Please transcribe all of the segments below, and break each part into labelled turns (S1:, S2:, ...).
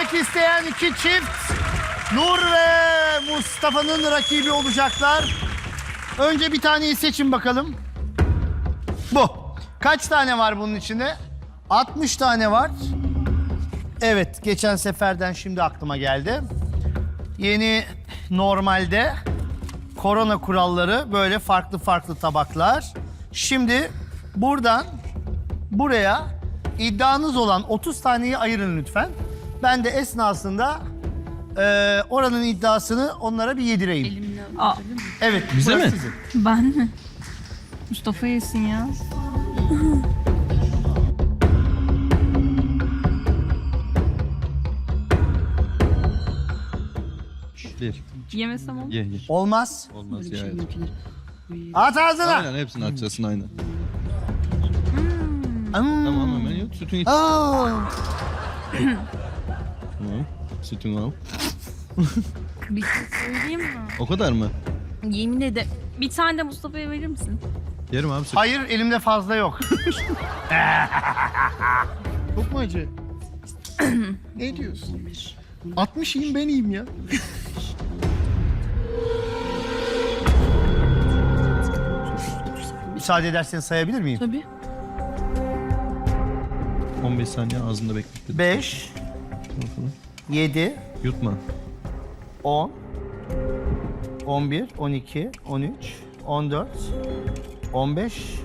S1: Elenmek isteyen iki çift Nur ve Mustafa'nın rakibi olacaklar. Önce bir taneyi seçin bakalım. Bu. Kaç tane var bunun içinde? 60 tane var. Evet, geçen seferden şimdi aklıma geldi. Yeni normalde korona kuralları böyle farklı farklı tabaklar. Şimdi buradan buraya iddianız olan 30 taneyi ayırın lütfen. Ben de esnasında oranın iddiasını onlara bir yedireyim.
S2: Elimle
S3: Aa.
S2: alabilir miyim?
S1: Evet,
S4: Bize
S1: burası
S4: mi?
S1: sizin.
S3: Ben mi? Mustafa yesin ya.
S4: Bir.
S3: Yemesem olur.
S4: Ye ye.
S1: Olmaz.
S4: Olmaz
S2: Böyle bir
S4: ya.
S2: şey yapılır.
S1: At ağzına.
S4: Aynen hepsini atacaksın aynen. Tamam hemen yok sütün iç.
S1: Aa,
S4: Tamam. Sütünü al.
S3: Bir şey söyleyeyim mi?
S4: O kadar mı?
S3: Yemin ederim. Bir tane de Mustafa'ya verir misin?
S4: Yerim abi süt.
S1: hayır, elimde fazla yok.
S5: Çok mu acı? Ne diyorsun? 60 yiyeyim ben yiyeyim ya.
S1: Müsaade ederseniz sayabilir miyim?
S3: Tabii.
S4: 15 saniye ağzında beklet.
S1: 5, 7,
S4: Yutma.
S1: 10, 11, 12, 13, 14, 15,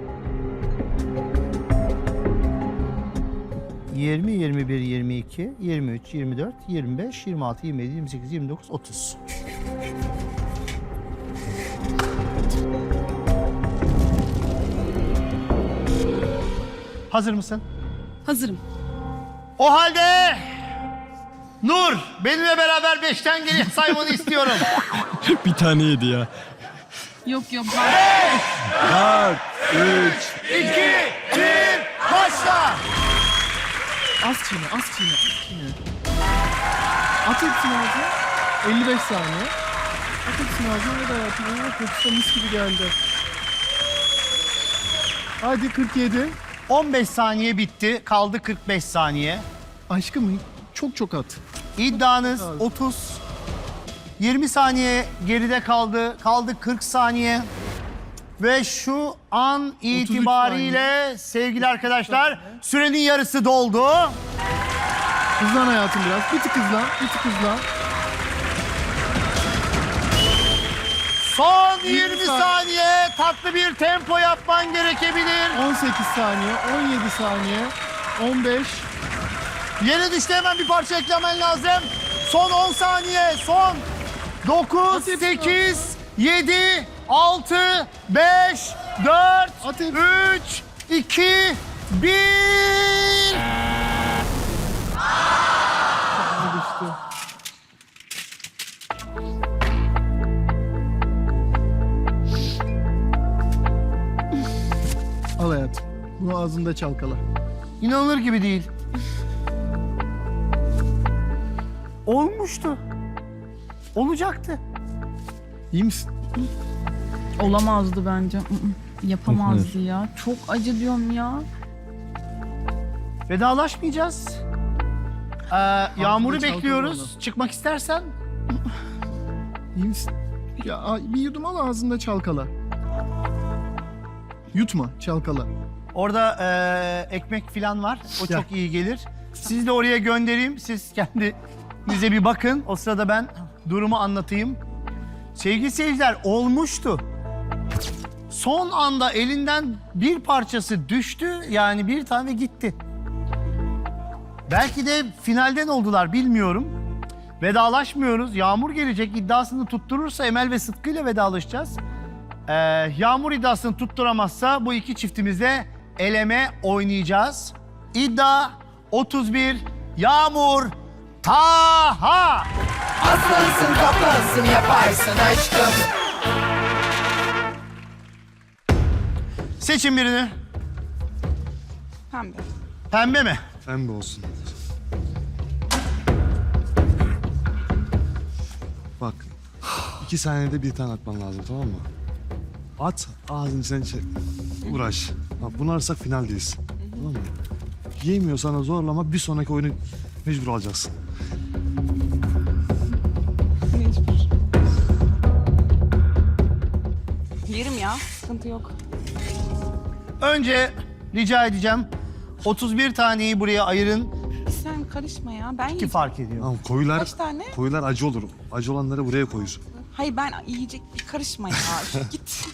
S1: 20, 21, 22, 23, 24, 25, 26, 27, 28, 29, 30. Hazır mısın?
S2: Hazırım.
S1: O halde Nur, benimle beraber 5'ten geriye saymanı istiyorum.
S4: Bir tane yedi ya.
S3: Yok yok.
S4: 4, 3.
S1: 2, 1, başla.
S5: Az çiğne, az çiğne, az çiğne. At hepsini ağzına. 55 saniye. At hepsini ağzına ve de hayatım. Aa, kokusu da mis gibi geldi. Hadi 47.
S1: 15 saniye bitti, kaldı 45 saniye.
S5: Aşkım çok çok at.
S1: İddianız
S5: Çok az.
S1: 30. 20 saniye geride kaldı. Kaldı 40 saniye. Ve şu an itibariyle sevgili arkadaşlar sürenin yarısı doldu.
S5: Hızlan hayatım biraz. Bir tık hızlan, bir tık hızlan.
S1: Son 20
S5: 20
S1: saniye tatlı bir tempo yapman gerekebilir.
S5: 18 saniye, 17 saniye, 15.
S1: Yere düştü, hemen bir parça eklemen lazım. Son 10 saniye. Son 9,
S5: Hadi.
S1: 8, 7, 6, 5, 4,
S5: Hadi.
S1: 3, 2, 1.
S5: Düştü. Al hayatım. Bunu ağzında çalkala.
S1: İnanılır gibi değil. Olmuştu. Olacaktı.
S5: İyi misin?
S3: Olamazdı bence. Yapamazdı ya. Çok acı diyorum ya.
S1: Vedalaşmayacağız. Yağmur'u
S5: çalkala
S1: bekliyoruz. Çıkmak istersen.
S5: İyi misin? Ya bir yudum al ağzında çalkala. Yutma, çalkala.
S1: Orada ekmek falan var. O
S5: Gel.
S1: çok iyi gelir. Sizi de oraya göndereyim. Siz kendinize bir bakın. O sırada ben durumu anlatayım. Sevgili seyirciler, olmuştu. Son anda elinden bir parçası düştü. Yani bir tane gitti. Belki de finalden oldular, bilmiyorum. Vedalaşmıyoruz. Yağmur gelecek. İddiasını tutturursa Emel ve Sıtkı ile vedalaşacağız. Yağmur iddiasını tutturamazsa bu iki çiftimizle eleme oynayacağız. İddia 31, Yağmur, Taha.
S6: Aslansın kaplansın yaparsın aşkım.
S1: Seçin birini.
S2: Pembe.
S1: Pembe mi?
S7: Pembe olsun. Bak, 2 saniyede bir tane atman lazım, tamam mı? At, ağzını içine çek. Uğraş. Bak, bunu ararsak finaldeyiz. Tamam mı? Yiyemiyorsan da zorlama, bir sonraki oyunu Mecbur alacaksın.
S2: Mecbur. Yerim ya, sıkıntı yok.
S1: Önce rica edeceğim 31 taneyi buraya ayırın
S2: Sen karışma ya, ben
S1: ki
S2: yiyeceğim.
S1: fark ediyor.
S7: Tamam koyular,
S2: Kaç tane?
S7: koyular acı olur. Acı olanları buraya koyuyorsun.
S2: Hayır ben yiyecek bir karışma ya. Git.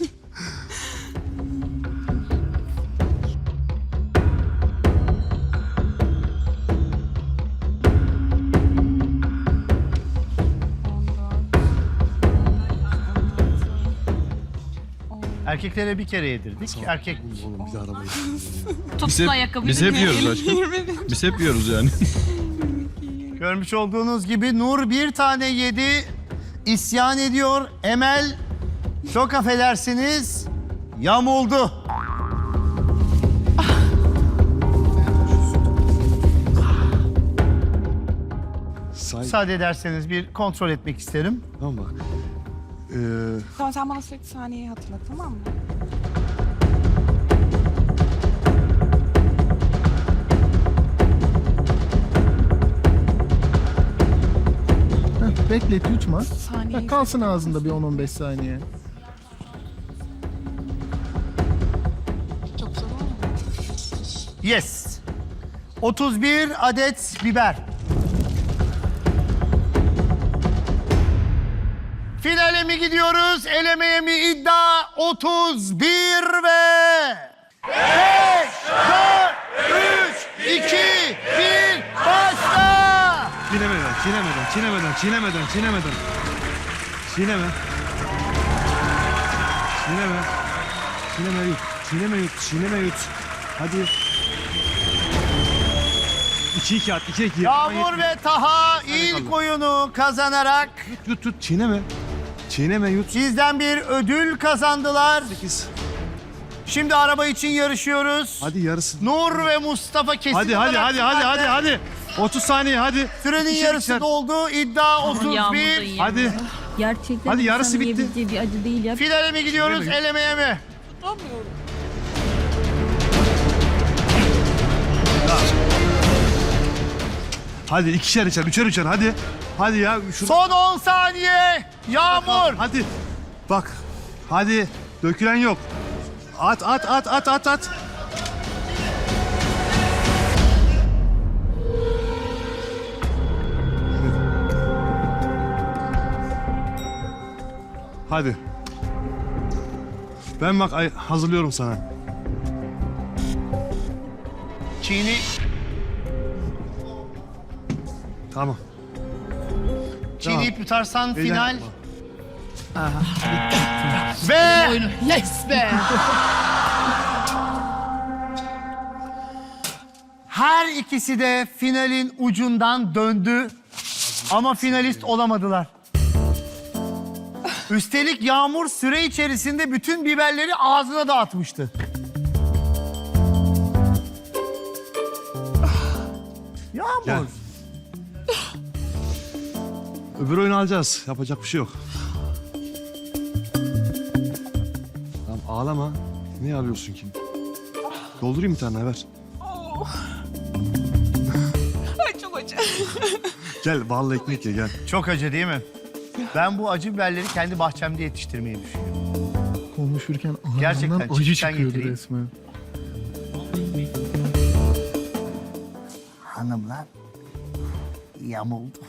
S1: Erkeklere bir kere yedirdik. Erkek
S7: Oğlum bir de arabayı.
S4: Biz hep, biz hep yiyoruz aşkım. Biz hep yiyoruz yani.
S1: görmüş olduğunuz gibi Nur bir tane yedi. İsyan ediyor. Emel çok affedersiniz yamuldu.
S7: Say.
S1: Müsaade ederseniz bir kontrol etmek isterim.
S7: Tamam mı?
S2: Tamam sen bana sürekli saniyeyi hatırlat, tamam mı?
S5: Beklet yutma.
S2: Saniyeyi
S5: Kalsın ağzında bir 10-15 saniye.
S2: çok zor olmuyor.
S1: Yes. 31 adet biber. Finale mi gidiyoruz, elemeye mi iddia? 31 ve 5, 4, 3, 2, 1, başla!
S7: Çiğnemeden, çiğnemeden, çiğnemeden, çiğnemeden, çiğnemeden. Çiğneme. Çiğneme. Çiğneme yut. Çiğneme yut. Çiğneme yut. Hadi. 2-2 at. 2-2.
S1: Yağmur ve Taha ilk oyunu kazanarak
S7: Yut yut. Çiğneme. Çiğneme yut.
S1: sizden bir ödül kazandılar.
S7: 8.
S1: Şimdi araba için yarışıyoruz.
S7: Hadi yarısı.
S1: Nur ve Mustafa kesin
S7: Hadi hadi
S1: olarak
S7: hadi hadi hadi
S1: finalde.
S7: hadi. 30 saniye hadi.
S1: Sürenin
S7: İkişer,
S1: yarısı
S7: ikişer.
S1: doldu. İddia
S3: Yağmur da
S1: 31.
S3: yiyemiyor.
S7: Hadi.
S3: Gerçekten
S7: Hadi yarısı
S3: insanın
S7: bitti.
S3: yiyebileceği bir acı değil ya.
S1: Finale mi gidiyoruz,
S7: Finale mi?
S1: elemeye mi?
S2: Tutamıyorum.
S7: Hadi ikişer içer, üçer üçer hadi. Hadi ya. Şurada.
S1: Son 10 saniye. Yağmur.
S7: Hadi. Bak. Hadi. Dökülen yok. At at at at at at. Hadi. Ben bak hazırlıyorum sana.
S1: Çiğni.
S7: Tamam.
S1: Çiğneyip yutarsan
S7: Beyler,
S1: final. Ve
S6: Yes be.
S1: her ikisi de finalin ucundan döndü. Ama finalist olamadılar. Üstelik Yağmur süre içerisinde bütün biberleri ağzına dağıtmıştı. Yağmur.
S7: Gel. Öbür oyunu alacağız. Yapacak bir şey yok. Tamam ağlama. Niye ağlıyorsun ki? Doldurayım bir tane ver.
S2: Ay çok acı.
S7: Gel ballı ekmek ye gel.
S1: Çok acı değil mi? Ben bu acı biberleri kendi bahçemde yetiştirmeyi düşünüyorum.
S5: Konuşurken
S1: Gerçekten
S5: ağzından acı
S1: çiçekten
S5: çıkıyordu
S1: getireyim.
S5: resmen.
S1: Hanımlar yamuldu.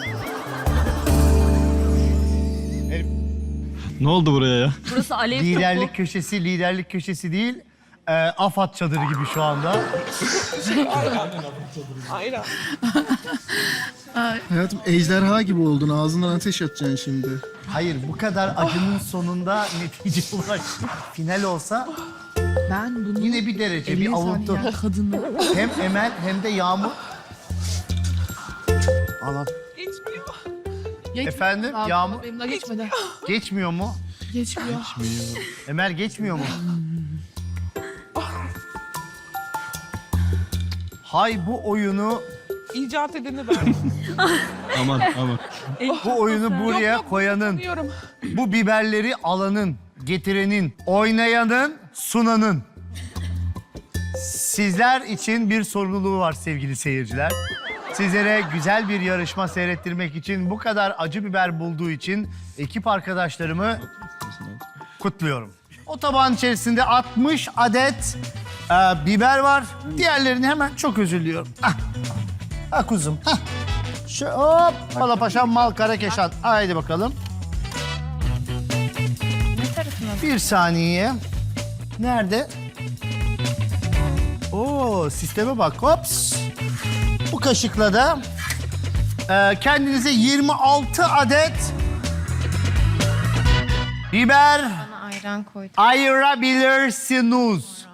S4: Ne oldu buraya ya?
S3: Burası alev
S1: Liderlik köşesi, liderlik köşesi değil. AFAD çadırı gibi şu anda.
S2: Aynen.
S5: Hayatım ejderha gibi oldun. Ağzından ateş atacaksın şimdi.
S1: Hayır, bu kadar acının sonunda netice ulaştık. Final olsa
S3: Ben bunu
S1: yine bir derece, bir avuntu.
S3: kadını.
S1: Hem Emel hem de Yağmur.
S7: Al al.
S2: Geçmiyor.
S1: Efendim, Yağmur
S6: Benim daha geçmedi.
S1: geçmiyor mu?
S6: Geçmiyor.
S1: Emel geçmiyor mu? Hay bu oyunu,
S2: İcat edeni ben.
S4: Aman aman.
S1: bu oyunu buraya koyanın,
S2: Biliyorum.
S1: bu biberleri alanın, getirenin, oynayanın, sunanın. Sizler için bir sorumluluğu var sevgili seyirciler. Sizlere güzel bir yarışma seyrettirmek için, bu kadar acı biber bulduğu için ekip arkadaşlarımı kutluyorum. O tabağın içerisinde 60 adet biber var. Diğerlerini hemen çok özür diliyorum. Ah kuzum. Hop. Pala paşam mal kara keşan. Haydi bakalım. Bir saniye. Nerede? Oo, sisteme bak. Hops. Bu kaşıkla da kendinize 26 adet biber
S8: Ayran koydum.
S1: ayırabilirsiniz.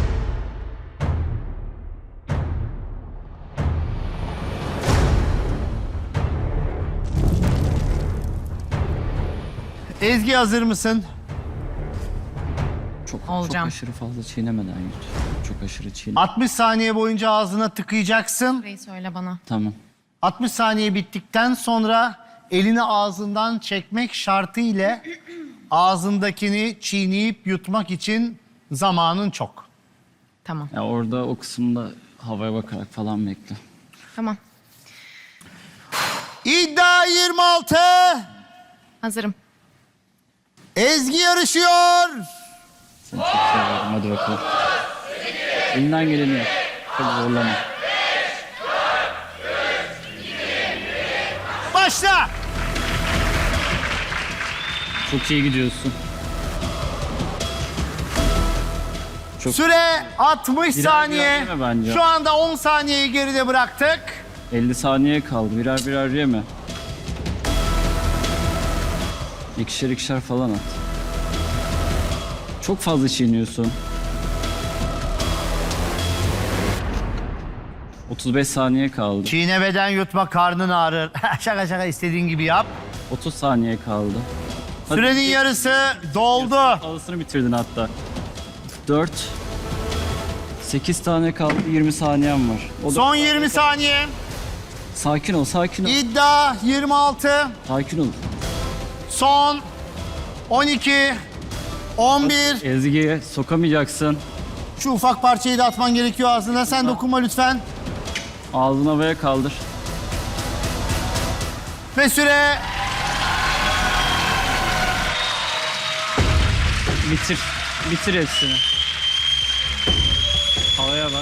S1: Ezgi hazır mısın?
S9: Çok
S3: Olacağım.
S9: aşırı fazla çiğnemeden yut. Çok aşırı çiğne.
S1: 60 saniye boyunca ağzına tıkayacaksın.
S8: Burayı söyle bana.
S9: Tamam.
S1: 60 saniye bittikten sonra elini ağzından çekmek şartı ile ağzındakini çiğneyip yutmak için zamanın çok.
S8: Tamam.
S9: Ya orada o kısımda havaya bakarak falan bekle.
S8: Tamam.
S1: İddia 26.
S8: Hazırım.
S1: Ezgi yarışıyor.
S9: Seni çok seviyorum. Hadi bakalım. Elinden geleni yap. Çok zorlama.
S1: Başla.
S9: Çok iyi gidiyorsun. Çok
S1: Süre 60
S9: Birer
S1: saniye.
S9: birer yeme bence.
S1: Şu anda 10 saniyeyi geride bıraktık.
S9: 50 saniye kaldı. Birer birer yeme. İkişer ikişer falan at. Çok fazla çiğniyorsun. 35 saniye kaldı.
S1: Çiğnemeden yutma, karnın ağrır. şaka şaka, istediğin gibi yap.
S9: 30 saniye kaldı. Hadi.
S1: Sürenin yarısı doldu.
S9: Fazlasını bitirdin hatta. 4 8 tane kaldı. 20 saniyen var. O da...
S1: Son 20 saniye.
S9: Sakin ol, sakin ol.
S1: İddia 26.
S9: Sakin ol.
S1: Son 12. 11.
S9: Ezgi'ye sokamayacaksın.
S1: Şu ufak parçayı da atman gerekiyor ağzına. Sen dokunma lütfen.
S9: Ağzını havaya kaldır.
S1: Ve süre
S9: Bitir. Bitir hepsini. Havaya bak.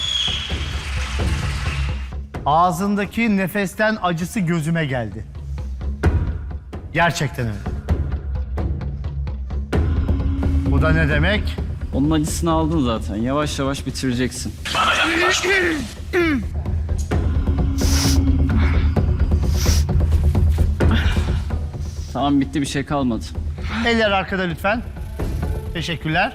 S1: ağzındaki nefesten acısı gözüme geldi. Gerçekten öyle. Bu da ne demek?
S9: Onun acısını aldın zaten. Yavaş yavaş bitireceksin. Tamam, bitti, bir şey kalmadı.
S1: Eller arkada lütfen. Teşekkürler.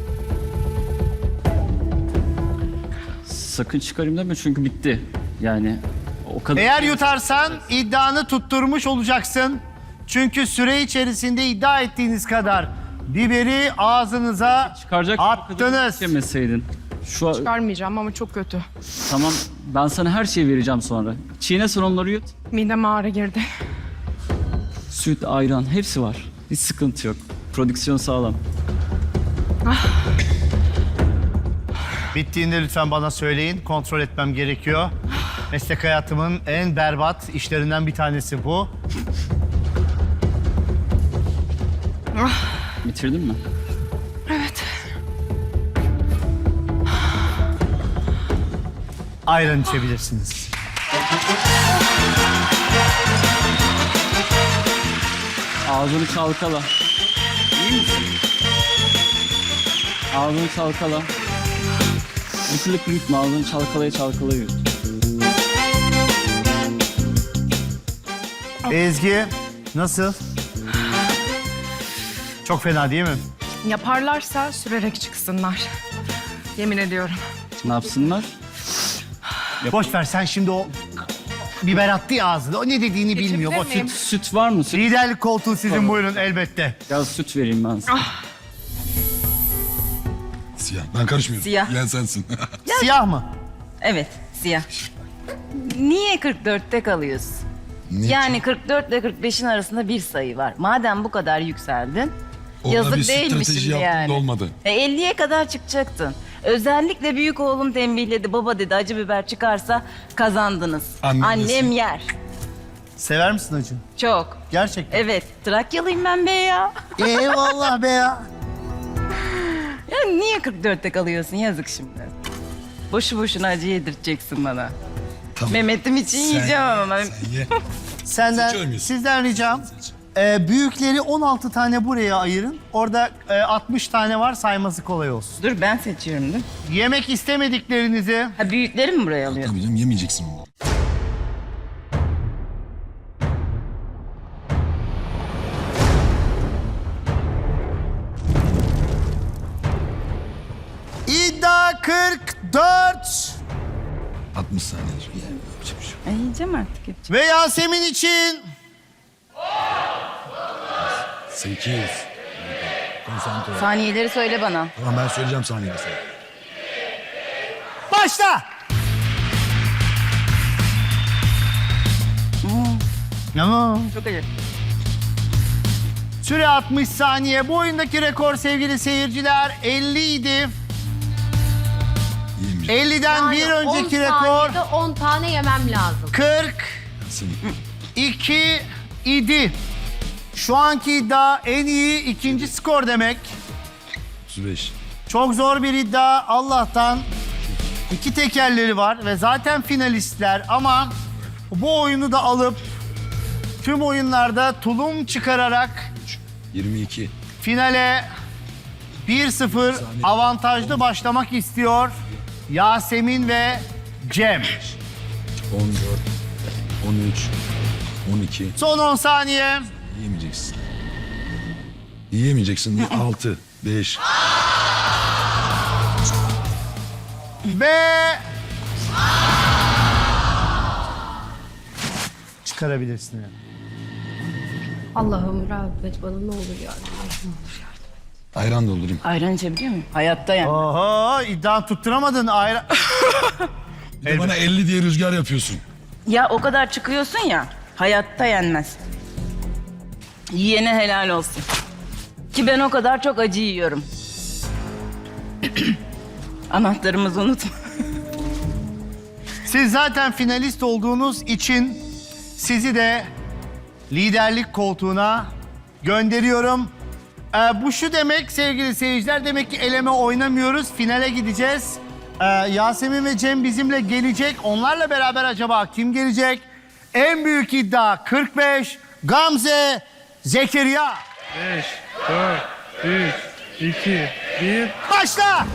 S9: Sakın çıkarayım deme çünkü bitti. Yani o kadar.
S1: Eğer yutarsan iddianı tutturmuş olacaksın. Çünkü süre içerisinde iddia ettiğiniz kadar biberi ağzınıza
S9: Çıkaracak
S1: attınız.
S9: yemeseydin. Şu an,
S2: Çıkarmayacağım ama çok kötü.
S9: tamam, ben sana her şeyi vereceğim sonra. Çiğne, sen onları yut.
S2: Mideme ağrı girdi.
S9: Süt, ayran hepsi var. Hiç sıkıntı yok. Prodüksiyon sağlam.
S1: Bittiğinde lütfen bana söyleyin. Kontrol etmem gerekiyor. Meslek hayatımın en berbat işlerinden bir tanesi bu.
S9: Bitirdin mi?
S2: Evet.
S1: Ayran içebilirsiniz.
S9: Ağzını çalkala. İyi misin? Ağzını çalkala. Bir türlü yutma, ağzını çalkalaya çalkalaya yut.
S1: Ezgi, nasıl? Çok fena değil mi?
S2: Yaparlarsa sürerek çıksınlar. Yemin ediyorum.
S9: Ne yapsınlar?
S1: Boş ver, sen şimdi o biber attı ya ağzına. O ne dediğini bilmiyor. O
S2: miyim?
S1: süt.
S9: Süt var mı? Süt.
S1: Liderlik koltuğu sizin,
S9: Tamam.
S1: buyurun elbette.
S9: Biraz süt vereyim ben sana.
S10: Siyah. Ben karışmıyorum.
S11: Siyah.
S10: Yiyen sensin.
S1: Siyah mı?
S11: Evet, siyah. Niye 44'te kalıyorsun? Yani 44 ile 45'in arasında bir sayı var. Madem bu kadar yükseldin,
S10: Orada bir
S11: yazık değil mi
S10: strateji
S11: şimdi
S10: yaptım
S11: yani?
S10: da olmadı.
S11: 50'ye kadar çıkacaktın. Özellikle büyük oğlum tembihledi. Baba dedi acı biber çıkarsa kazandınız. Annem yer.
S1: Sever misin acı?
S11: Çok.
S1: Gerçekten.
S11: Evet. Trakyalıyım ben be ya.
S1: Eyvallah be ya.
S11: Ya niye 44'te kalıyorsun? Yazık şimdi. Boşu boşuna acı yedirteceksin bana. Mehmet'im için yiyeceğim ama.
S1: Sizden ricam büyükleri 16 tane buraya ayırın. Orada 60 tane var, sayması kolay olsun.
S11: Dur ben seçiyorum değil mi?
S1: Yemek istemediklerinizi
S11: Ha büyükleri mi buraya alıyor?
S4: Tabii canım yemeyeceksin onu.
S1: iddia 44
S4: 60 saniyedir. Yani yapacak bir şey yok.
S11: Ay, yiyeceğim artık. Yapacak.
S1: ve Yasemin için
S4: 8. Konsantre ol.
S11: Saniyeleri söyle bana.
S4: Tamam ben söyleyeceğim saniyeyi sana.
S1: başla. Tamam.
S11: Çok acı.
S1: Süre 60 saniye. Bu oyundaki rekor sevgili seyirciler 50 idi.
S4: Yemeyecek.
S1: 50'den bir önceki rekor
S8: 10 tane yemem lazım.
S1: 42 idi. Şu anki iddia en iyi ikinci skor demek.
S4: 35.
S1: Çok zor bir iddia. Allah'tan iki tekerleri var ve zaten finalistler ama bu oyunu da alıp tüm oyunlarda tulum çıkararak
S4: 22.
S1: finale 1-0 avantajlı başlamak istiyor Yasemin ve Cem.
S4: 14. 13. 12.
S1: Son 10 saniye.
S4: Yiyemeyeceksin. Yiyemeyeceksin. 6. 5.
S1: Ve çıkarabilirsin yani.
S8: Allah'ım rahmet bana ne olur yardım et.
S4: Ayran doldurayım.
S11: Ayran içebiliyor muyum? Hayatta yani.
S1: Oho iddia tutturamadın ayrı.
S4: Bir de bana 50 diye rüzgar yapıyorsun.
S11: Ya o kadar çıkıyorsun ya. Hayatta yenmez. Yiyene helal olsun. Ki ben o kadar çok acı yiyorum. Anahtarımızı unutma.
S1: Siz zaten finalist olduğunuz için sizi de liderlik koltuğuna gönderiyorum. Bu şu demek sevgili seyirciler, demek ki eleme oynamıyoruz, finale gideceğiz. Yasemin ve Cem bizimle gelecek. Onlarla beraber acaba kim gelecek? En büyük iddia 45, Gamze, Zekeriya.
S5: 5, 4, 3, 2, 1.
S1: Başla!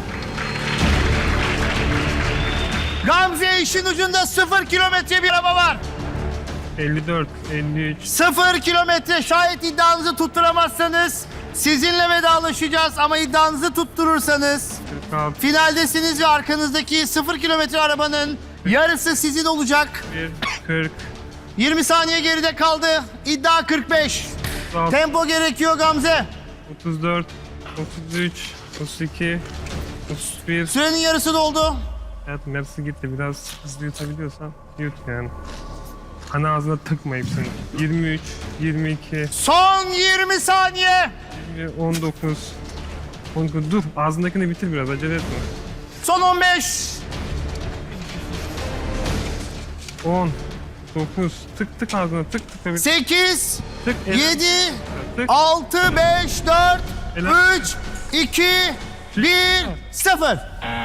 S1: Gamze işin ucunda 0 kilometre bir araba var.
S5: 54, 53,
S1: 0 kilometre, şayet iddianızı tutturamazsanız sizinle vedalaşacağız ama iddianızı tutturursanız
S5: 46,
S1: finaldesiniz ve arkanızdaki 0 kilometre arabanın yarısı sizin olacak.
S5: 1, 40,
S1: 20 saniye geride kaldı. İddia 45.
S5: 36,
S1: Tempo gerekiyor Gamze.
S5: 34, 33, 32, 31.
S1: Sürenin yarısı doldu.
S5: Hayatım yarısı gitti. Biraz hızlı yutabiliyorsan yut yani. Hani ağzına tıkmayıp seni. 23, 22,
S1: Son 20 saniye.
S5: 20, 19, 19. Dur ağzındakini bitir biraz acele etme.
S1: Son 15.
S5: 10, 9, tık tık ağzına tık tık.
S1: 8,
S5: Tık,
S1: 7,
S5: tık.
S1: 6, 5, 4,
S5: Helal.
S1: 3, 2, 1, 0.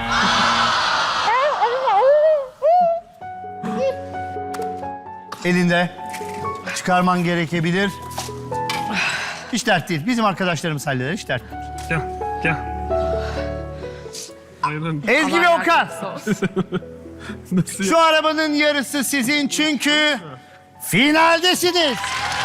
S1: Elinde çıkarman gerekebilir. Hiç dert değil. Bizim arkadaşlarımız halleder. Hiç dert değil.
S5: Gel, gel. Ayran.
S1: Ezgi ve Okan.
S5: Nasıl
S1: Şu arabanın yarısı sizin çünkü finaldesiniz.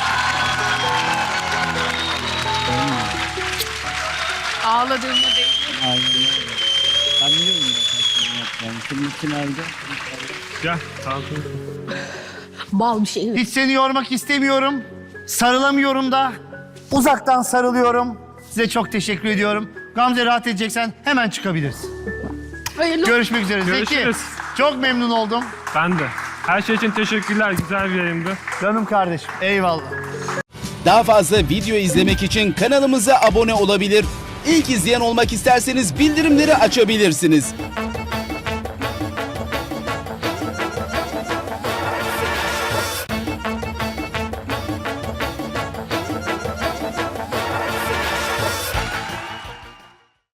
S3: Ağladığımda değil.
S9: Aynen öyle. Ben biliyorum zaten. Yani şimdi finalde.
S5: Gel, kalkın.
S8: Bal bir şey.
S1: Hiç seni yormak istemiyorum. Sarılamıyorum da. Uzaktan sarılıyorum. Size çok teşekkür ediyorum. Gamze rahat edeceksen hemen çıkabilirsin.
S8: Hayırlı
S1: Görüşmek üzere. Zeki,
S5: Görüşürüz.
S1: çok memnun oldum.
S5: Ben de. Her şey için teşekkürler. Güzel bir yayındı.
S1: Canım kardeşim. Eyvallah.
S6: Daha fazla video izlemek için kanalımıza abone olabilir.
S10: İlk izleyen olmak isterseniz bildirimleri açabilirsiniz.